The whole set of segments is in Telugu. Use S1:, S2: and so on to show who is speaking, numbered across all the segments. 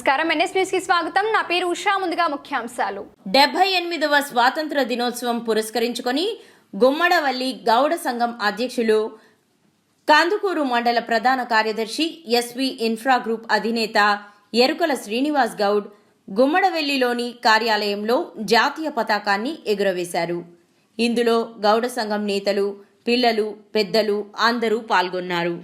S1: నమస్కారం ఎన్ఎస్ న్యూస్ కి స్వాగతం నా పేరు ఉషా ముందుగా ముఖ్యాంశాలు
S2: 78వ స్వాతంత్ర దినోత్సవం పురస్కరించుకొని గుమ్మడవల్లి గౌడ సంఘం అధ్యక్షులు కందుకూరు మండల ప్రధాన కార్యదర్శి ఎస్వి ఇన్ఫ్రా గ్రూప్ అధినేత ఎరుకల శ్రీనివాస్ గౌడ్ గుమ్మడవెల్లిలోని కార్యాలయంలో జాతీయ పతాకాన్ని ఎగురవేశారు. ఇందులో గౌడ సంఘం నేతలు, పిల్లలు, పెద్దలు అందరూ పాల్గొన్నారు.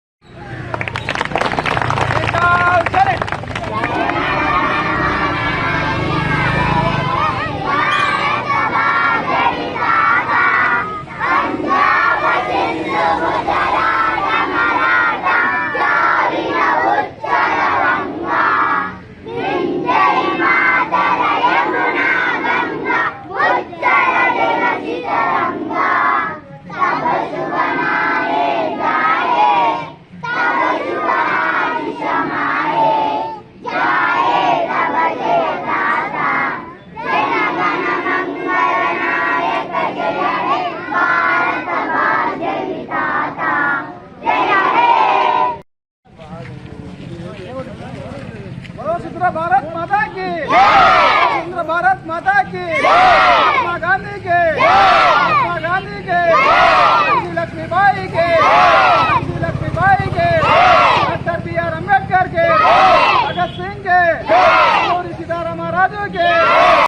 S3: भारत माता की सुंदर भारत माता की महात्मा गांधी के लक्ष्मीबाई के डॉक्टर बी.आर. अम्बेडकर के, भगत सिंह के, सीताराम महाराज के